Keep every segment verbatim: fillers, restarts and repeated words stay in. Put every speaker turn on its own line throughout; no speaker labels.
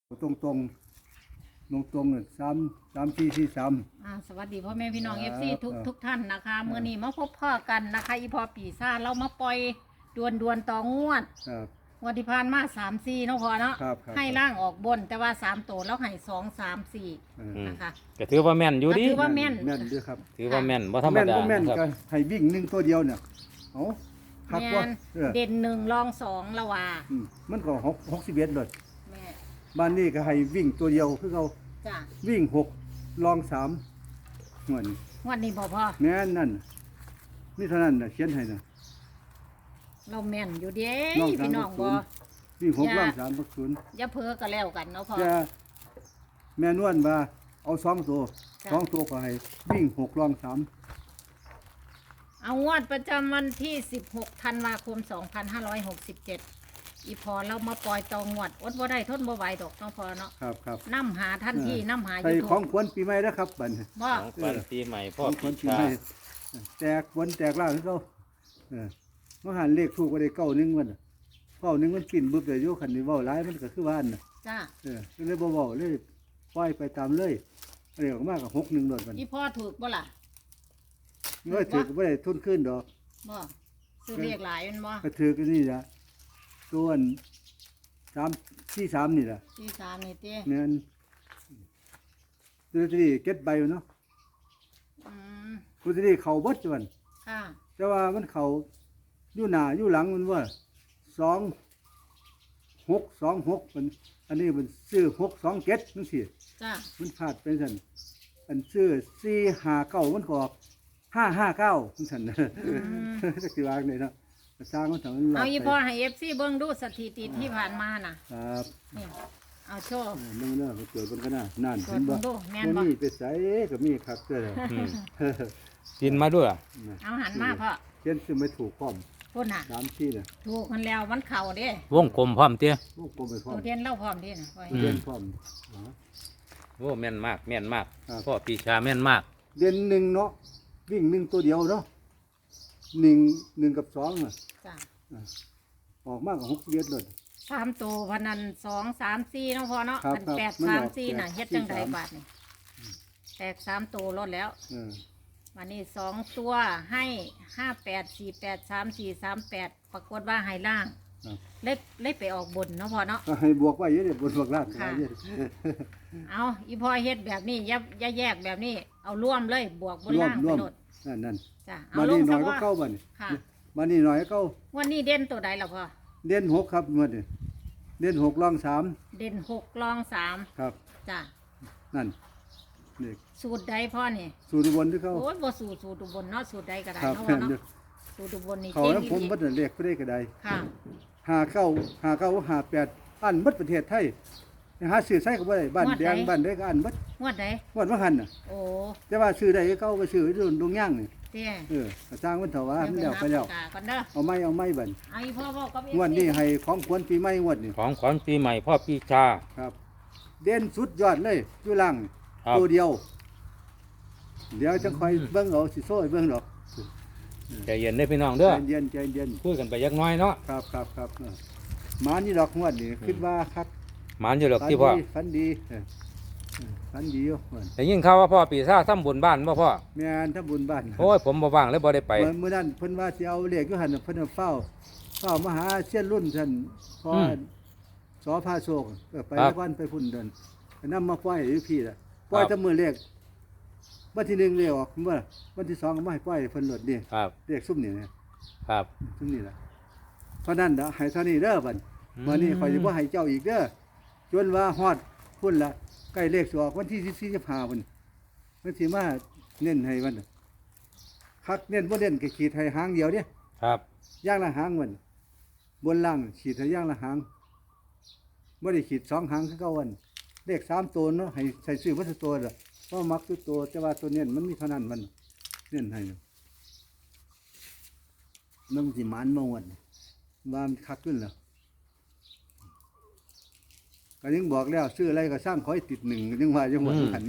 ตรงตรงตรงตรงเนี่ยสามสามสี่สี่สาม
อ่าสวัสดีพ่อแม่พี่น้อง
ค
เอ
รับ
ฟซีทุก
เออ
ทุกท่านนะคะเมื่อนี้มาพบพ่อกันนะคะอีพอปีซ่าเรามาปล่อยดวนดวนต่องวด
ครับ
งวันที่ผ่านมาสามสี่เนาะพอเนาะ
ครับครับ
ให้ล่างออกบนแต่ว่าสามตัวแล้วให้สองสามสี่
เออ
อืม
นะคะ
ก็ถือว่าแม่นอยู่ดิ
ก็ถือว่า แม่น
แม่นด้วยครับ
ถือว่าแม่นบ่ธรรม
แม่น
ดา
ก็แม่น
ค
ก็
รับ
ให้วิ่งหนึ่งตัวเดียวเนี่ยเอาครับ
แม่
ว่าน เออ
เด่นหนึ่งรองสองละว่า
อืมมันก็หกหกสิบเอ็ดเลย
แม่
บ้านนี้ก็ให้วิ่งตัวเดียวคือเขา
จ้ะ
วิ่งหกลองสามเหมือน
งวันนี้พอพ่อ
แม่นนั่นนี่เท่านั้นน่ะเขียนให้นะ
เราแม่นอยู่เด้
ลองสาม
พี่น้อง
ศู
บอน
ย์ วิ่งหก
อย่า
ลองสามพักศูนย์
อย่าเพ้อกันแล้วกันเนาะพ่อ
จะแม่นวลว่าเอาสองตัว
จ้ะ
สองตัวก็ให้วิ่งหกลองสาม
เอางวดประจำวันที่สิบหกธันวาคมสองพันห้าร้อยหกสิบเจ็ดอีพอเรามาปล่อยตองวดอดบ่ได้ทนบ่ไหวดอกเนาะพอเนาะ
ครับครับ
น้ำหาทันทีน้ำหาอ
ไป
ยู่
ข
ทุ
อง
ก
ขวัญปีใหม่นะครับบัดนี้
บ่
ของขวัญปีใหม่
ข
พ่อ
องข
ปี
วัญปี
ชา
ใหม่แตกวันแตกล่างคือเขาเออมาหันเลขถูกก็ได้เก้าหนึงมันน่ะเก้าหนึงมันปิ่นบึบเลยโยคันนี้เว้าหลายมันก็คือว่าอันน่ะ
จ้า
เออก็เลยบ่เว้าเลยปล่อยไปตามเลยอันนี้ออกมาก็หกหนึ่งโดดมัน
อีพ่อถูกบ่ล่ะ
เมื่อถือก็บ่ได้ทุนขึ้นดอก
บ่ซื้อเรียกหลายแมันบ่
ก็ถือก็นี่ล่ะส่วนสามที่สามนี่ล่ะ
ที่สามนี่เต้
แม่นตัวที่เก็ตใบอยู่เนาะ
อืม
ตัวที่เข้าเบิดจวน
ค่ะ
แต่ว่ามันเขาอยู่หน้าอยู่หลังมันว่าสองหกสองหกมันอันนี้มันซื้อหกสองเจ็ดนั่นสิ
จ้า
มันพลาดไปสันอันซื้อสี่ห้าเก้ามันก็ออกห้าห้าเก้ามันสัน
อืม
จะกี่วางเลยเนาะสร้างมันถึงมันหล
เอา
ก
อี
ไป
พ่อให้ เอฟ ซี เบิ่งดูสถิติที่ผ่านมาน่ะ
ครับ
นี่เอาโชว์
เออนั่นเนาะเกิดมันก็น่านั่น
ตรว
เห็
จ
นบ่
เบิ่งดูแม่น
มัน
บ่
มีไปใส่ก็มีคักเด้อ
อืมกินมาด้วย
เอาหันมาพ่อ
เช่นซื้อไม่ถูกพร้อม
พุ่นน่ะ
สามที่น่ะ
ถูกมันแล้วมันเข่าเด้
วงกลมพร้อมเตี้ย
พวกกลมไปพร้อ
ตั
ม
วเทียนเล่าพร้อมเด้น่ะพ่อ
อืม
เล่นพร้อมอ๋อ
โอ้แม่นมากแม่นมาก
ครับ
พ่อปีชาแม่นมาก
เดือนหนึ่งเนาะวิ่งหนึ่งตัวเดียวเนาะหนึ่งหนึ่งกับสองอ่ะ
จ้า
อ่ะออกมากกว่าหกเดือนเลย
สามตัวพนันสองสามสี่เนาะพ่อเนาะ
ครับ
อัน
ครับ
แปด
มัน
สา
อ
ม
อก
สี่น่ะ
แปด
เฮ็ดจังได
สี่สาม
บาทนี่แตกสามตัวลดแล้ว
เออ
วันนี้สองตัวให้ห้าแปดสี่แปดสามสี่สามแปดปรากฏว่าให้ล่าง
ครับ
เล็กเล็กไปออกบนเนาะพ่อเนาะ
ก็ให้บวกไว้เยอะเดี๋ยวบนบวกล่าง
ค่ะ
เยอะ
เอาอีพอเฮ็ดแบบนี้อย่าอย่าแยกแบบนี้ เอาร่วมเลยบวกบน
ร่วม
ล่าง
ร่
ไป
วม
โลด
นั่นนั่น
จ้ะเอา
มา
ลง
นี่ห
ซะ
น่อยก็
ว่า
เก้าบัดน
ค่ะ
มานี่หน่อยก็เก้า
วันนี้เด่นตัวใดล่ะพ่อ
เด่นหกครับงวดนี้เด่นหกรองสาม
เด่นหกรองสาม
ครับ
จ้ะ
นั่นนี่
สูตรใดพ่อนี่
สูตรอุบนที่เขา
โอ้ยบ่สูตรสูตรอุบลเนาะสูตรใดก็ได้
ครับ
เนาะ
แม่
พ่อน เนาะ
เด้อ
สูตรอุบลนี่
เขา
เก่ง
แล้วผม
ดี
บัดนั้นเรียกไปได้ก็ได้
ค่ะ
หาเก้าหาเก้าหาแปดอันบัดประเทศไทยหาซื้อใส่ก็บ่ได้บ้านแดงบ้านใดก็อันบัด
งวดใด
งวดว่าหันน่ะ
โอ้
แต่ว่าซื้อได้เก้าก็ซื้อดงดงย่างนี่
เตี้ย
เออก็สร้างมันเถอะว่ามัน
เดี๋
แล้วไปแล้ว
หาปากกาก่อนเด้อ
เอาไม้เอาไม้บัด
เอาอีพ่อบอกกับ
งวดนี้ให้ของควรปีใหม่งวดนี้
ของขวัญปีใหม่พ่อปีชา
ครับ เด่นสุดยอดเลยอยู่ล่าง
ครับ
ตัวเดียว เดี๋ยวจะคอยเบิ่งเอาสิโซ่ให้เบิ่งดอก
ใจเย็นได้อพี่น้องเด้อ
ใจเย็นใจเย็น
คุยกันไปยักน้อยเนาะ
ครับครับครับเออหมานี่ดอกงวดนี่คิดว่าครับ
หมานอยู่หรอก
ฝัน
ที่พ่อ
ดีฝันดีเออเออฝันดีอยู่เพิ่น
แต่ยิ่งข่าวว่าพ่อปีชาทำบุญบ้านบ่พ่อ
แม่นถ้าบุญบ้าน
โอ้ยผมบ่ว่างเลยบ่ได้ไป
เมื่อมื้อนั้นเพิ่นว่าสิเอาเลขอยู่หั่นน่ะเพิ่นเอาเฝ้าเฝ้ามาหาเสี้ยนรุ่นท่านพอ
อืม
สอพาโชคเออไป
ครับ
วันไปพุ่นเดินนำมาปล่อยอยู่พี่ล่ะปล่อย
ครับ
แต่มื้อเลขวันที่หนึ่งเลขออกเมื่อวันที่สองก็มาให้ปล่อยเพิ่นโลดนี่
ครับ
เลขซุ่มนี่นะครับ ซุ่มนี่ล่ะเพราะนั้นเด้อให้เท่านี้เด้อบัด
อืม
วันนี้ข่อยสิบ่ให้เจ้าอีกเด้อจนว่าฮอดพุ่นละใกล้เลขสิออกวันที่สิบสี่ สิบห้าพุ่นมันสิมาเน้นให้มันน่ะคักเน้นบ่เน้นก็ขีดให้หางเดียวเด้
ครับ
ย่างละหางมันบนล่างขีดให้ย่างละหางบ่ได้ขีดสองหางคือเก่าวันเลขสามตัวเนาะให้ใส่ซื้อวัตถุตัวล่ะเพราะมักตัวตัวแต่ว่าตัวเน้นมันมีเท่านั้นมันเน้นให้น่ะมันสิหมานบ่วันว่ามันคักขึ้นแล้วก็ยังบอกแล้วซื้ออะไรก็สร้างขอให้ติดหนึ่งยังว่าจังหวัดหัน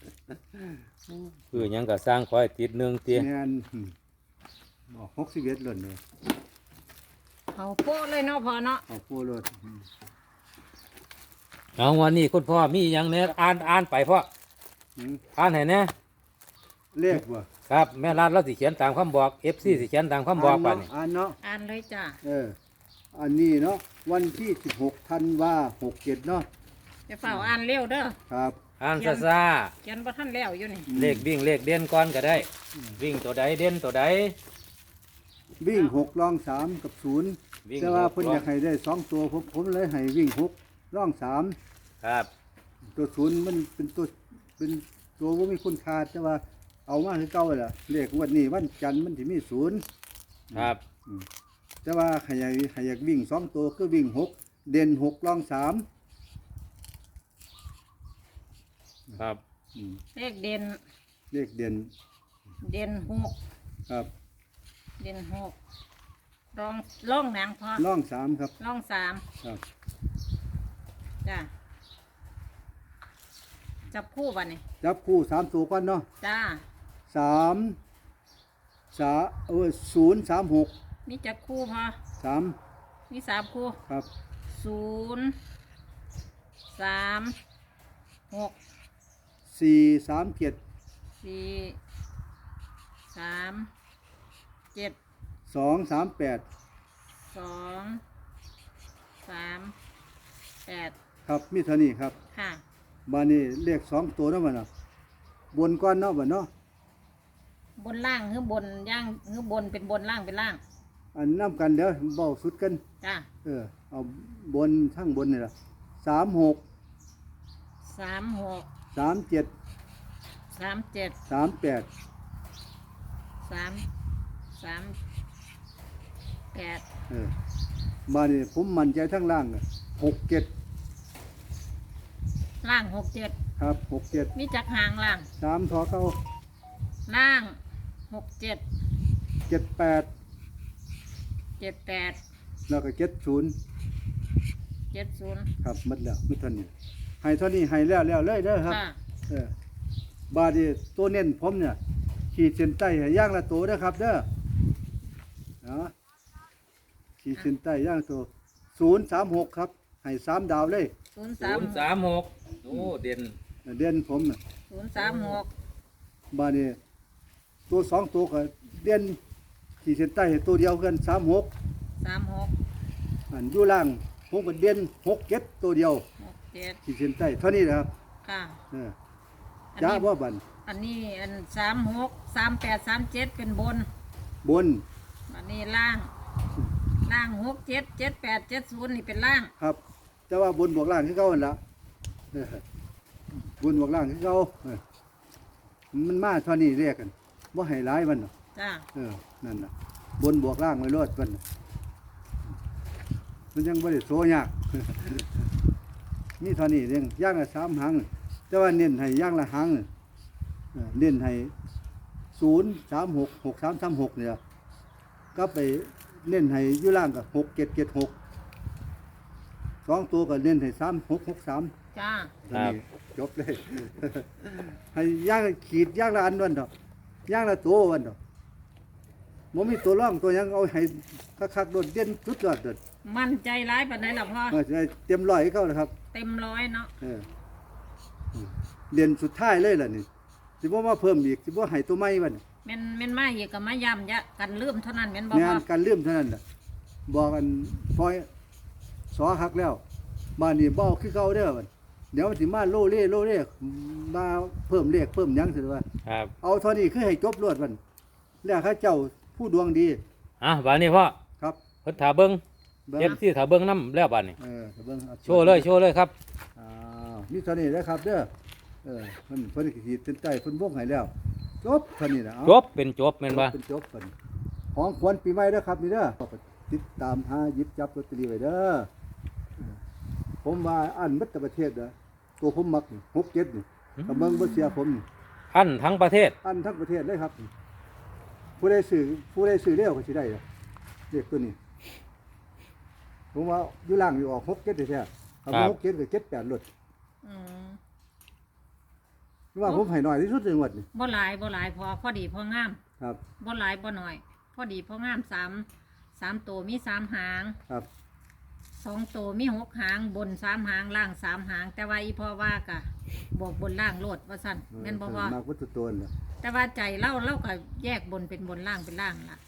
คือหยังก็สร้างขอให้ติดหนึงเตี้ย
แม่นบอกหกสิบเอ็ดเลยเนี่ย
เขาโป๊ะเลยเนาะพ่อเนาะ
เอาโปรรถ
เอาวันนี้คุณพ่อมีหยังแหน่อ่านอ่านไปพ่อ
อืม
อ่านให้แหน่
เลขบ่
ครับแม่รัดเราสิเขียนตามคำบอก เอฟ ซี สิเขียนตามคำบอกบัดนี้
อ่านเนาะ
อ่านเลยจ้า
เอออันนี้เนาะวันที่สิบหกธันวาหกเจ็ดเนาะ
จะเฝ้าอ่านเร็วเด้อ
ครับ
อ่านซะซ่า
เขียนบ่ทันแล้วอยู่นี่
เลขวิ่งเลขเด่นก่อนก็ได้ วิ่งตัวใดเด่นตัวใด
วิ่งหกรองสามกับศูนย์
วิ่ง
แต่ว่า
หก
เพิ่นอยากให้ได้สองตัวผมผมเลยให้วิ่งหกร่องสาม
ครับ
ตัวศูนย์มันเป็นตัวเป็นตัวว่ามีคุณค่าแต่ว่าเอามาคือเก่าแหละเลขงวันนี้วันจันทร์มันที่มีศูนย์
ครับ
แต่ว่าใครอยากใครอยากวิ่งสองตัวก็วิ่งหกเด่นหกร่องสาม
ครับ
อืม
เลขเด่น
เลขเด่น
เด่นหก
ครับ
เด่นหกรองร่องหนังพอ
ร่องสามครับ
ร่องสาม
ครับ
จ้าจับคู่วันนี้
จับคู่สามตัวก่อนเนาะ
จ้า
สามสาเออศูนย์สามหก
มีจับคู่พอ
สาม
มีสามคู่
ครับ
ศูนย์สามหก
สี่สามเจ็ด
สี่สามเจ็ด
สองสามแปด
สองสามแปด
ครับมีเท่านี้ครับ
ค่ะ
บานนี้เลขสองตัวเนาะมันเนาะบนก้อนเนาะบัดเนาะ
บนล่างหรือบนย่างหรือบนเป็นบนล่างเป็นล่าง
อันน้ำกันเดี๋ยวเบาสุดกัน
จ้า
เออเอาบนทั้งบนนี่ละสามหก
สามหก
สามเจ็ด
สามเจ็ด
สามแปด
สามสามแปด
เออบ้านนี้ผมมั่นใจทั้งล่างอะหกเจ็ด
ล่างหกเจ็ด
ครับหกเจ็ด
มีจักหางล่าง
สามทอเก้า
ล่างหกเจ็ด
เจ็ดแปด
เจ็ดแปด
แล้วก็เจ็ดศูนย์
เจ็ดศูนย์
ครับหมัดแล้วไม่เท่านี้ให้เท่านี้ให้แล้วแล้วเลยเด้อครับ
ค่ะ
เออบาดนีตัวเน้นผมเนี่ยขีดเส้นใต้ให้ย่างละตัวเด้อครับเด้อเนาะขีดเส้นใต้ย่างละตัวศูนย์สามหกครับให้สามดาวเลย
ศูนย์
ศู
สาม
นย์สามหกโอ้เด่น
เด่นผมน่ะ
ศูนย์สามหก
บาดนีตัวสองตัวก็เด่นขีดเส้นใต้ให้ตัวเดียวกันสามหก
สามหก
อันอยู่ล่างผมก็เด่นหกเจ็ดตัวเดียว
หกเจ็ด
ขีดเส้นใต้เท่านี้นะครับ
ค่ะ
เออ
อัน
จ้า
นี้
บ่บัน
อันนี้อันสามหกสามแปดสามเจ็ดเป็นบน
บน
อันนี้ล่าง ล่างหกเจ็ดเจ็ดแปดเจ็ดศูนย์นี่เป็นล่าง
ครับ แต่ว่าบนบวกล่างคือเก่าหั่นละเออบนบวกล่างคือเก่าเออมันมาเท่านี้เรียกกันบ่ให้ร้ายมันเนาะ
จ้า
เออนั่นน่ะบนบวกล่างไว้รอดมันน่ะมันยังบ่ได้โซยาก มีเท่านี้เรื่องย่างละสามหางแต่ว่าเน้นให้ย่างละหางเออเน้นให้ศูนย์สามหกหกสามสามหกเนี่ยก็ไปเน้นให้อยู่ล่างกับหกเจ็ดเจ็ดหกสองตัวก็เน้นให้สามหกหกสาม
จ้า
จบเลย ให้ย่างขีดย่างละอันวันเถอะย่างละตัววันเถอะมันมีตัวร่องตัวหยังเอาให้คักๆโดดเด่นสุดยอดเด็ด
มั่นใจร้ายปานไหนล่ะพ่อ
เออจะได้เต็มร้อยให้เขานะครับ
เต็มร้อยเนาะ
เออเด่นสุดท้ายเลยล่ะนี่สิบ่มาเพิ่มอีกสิบ่ให้ตัวใหม่วัน
แม่นแม่นมาอีกกับมาย้ำยะกันลืมเท่านั้นแม่นบ่
งา
พ่อน
การเลื่อมเท่านั้นน่ะบอกกันพอยสอหักแล้วบ้านนี้บ่เอาคือเก่าเด้อบัดเดี๋ยวมันสิมาโลเล่โลเล่มาเพิ่มเลขเพิ่มหยังสิว่า
ครับ
เอาเท่านี้คือให้จบรวดมันแล้วข้าเจ้าผู้ดวงดี
อ่ะบัดนี้พ่อ
ครับ
เพิ่นถาเบิ่ง
เบิ่ง
เอฟซีถาเบิ่งน้ำแล้วบัดนี้
เออเบิ่งอา
โชว์เลยโชว์เลยครับ
อ้าวมีเท่านี้แล้วครับเด้อเออเพิ่นเพิ่นขีดเส้นใต้เพิ่นวงให้แล้วจบเท่านี้นะเอา
จบเป็นจบแม่นบ่
เป็นจบเพิ่นของขวัญปีใหม่เด้อครับนี่เด้อติดตามหาหยิบจับลอตเตอรี่ไว้เด้อผมว่าอันมัตประเทศเด้อตัวผมมักนี่หกเจ็ดนี่กับเมืองบ่เสียผมนี่
อันทั้งประเทศ
อันทั้งประเทศเลยครับ ผู้ใดซื้อผู้ใดซื้อเร็วก็สิได้เด้อเลขตัวนี้ ผมว่าอยู่ล่างอยู่ออกหกเจ็ดแท้ๆคำว่าหกเจ็ดกับเจ็ดแปดลด
อืม
ว่าผมให้น้อยที่สุดในงวดนี่
บ่หลายบ่หลายพอพอดีพองาม
ครับ
บ่หลายบ่น้อย พอดีพองามสามสามตัวมีสามหาง
ครับ
สองตัวมีหกหางบนสามหางล่างสามหาง แต่ว่าอีพ่อว่ากะบอกบนล่างโลดว่าสั่นแม่นบ่พ่อ
มากวัตถุตัวน่ะ
แต่ว่าใจเล่าเล่าก็แยกบนเป็นบนล่างเป็นล่างล่ะ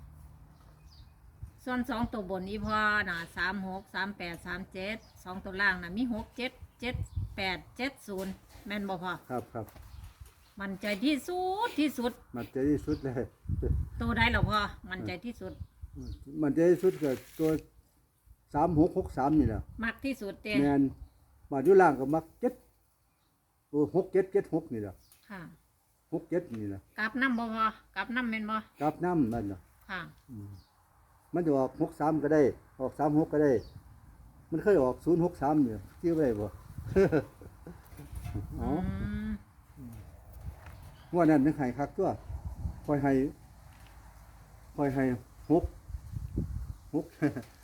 ส่วนสองตัวบนอีพ่อน่ะสามหกสามแปดสามเจ็ดสองตัวล่างน่ะมีหกเจ็ดเจ็ดแปดเจ็ดศูนย์แม่นบ่พ่อ
ครับครับ
มันใจที่สุดที่สุด
มันใจที่สุดเลย
ตัวใดเหรอพ่อมันใจที่สุด
มันใจที่สุดก็ตัวสามหกหกสามนี่แหละ
มักที่สุดเต้
แมนมาอยู่ล่างก็มักเจ็ดโอ้หกเจ็ดเจ็ดหกนี่แหละ
ค่ะ
หกเจ็ดนี่แหละ
กลับน้ำบ่พ่อกลับน้ำแม่นบ่
กราบน้ำมันน่ะ
ค่ะ
อืมมันจะออกหกสามก็ได้ ออกสามหกก็ได้ มันเคยออกศูนย์หกสามเนี่ยที่ไว้บ่ อ๋อ
อืม
ว่านั่นนึกให้คักตัวคอยให้คอยให้หกหก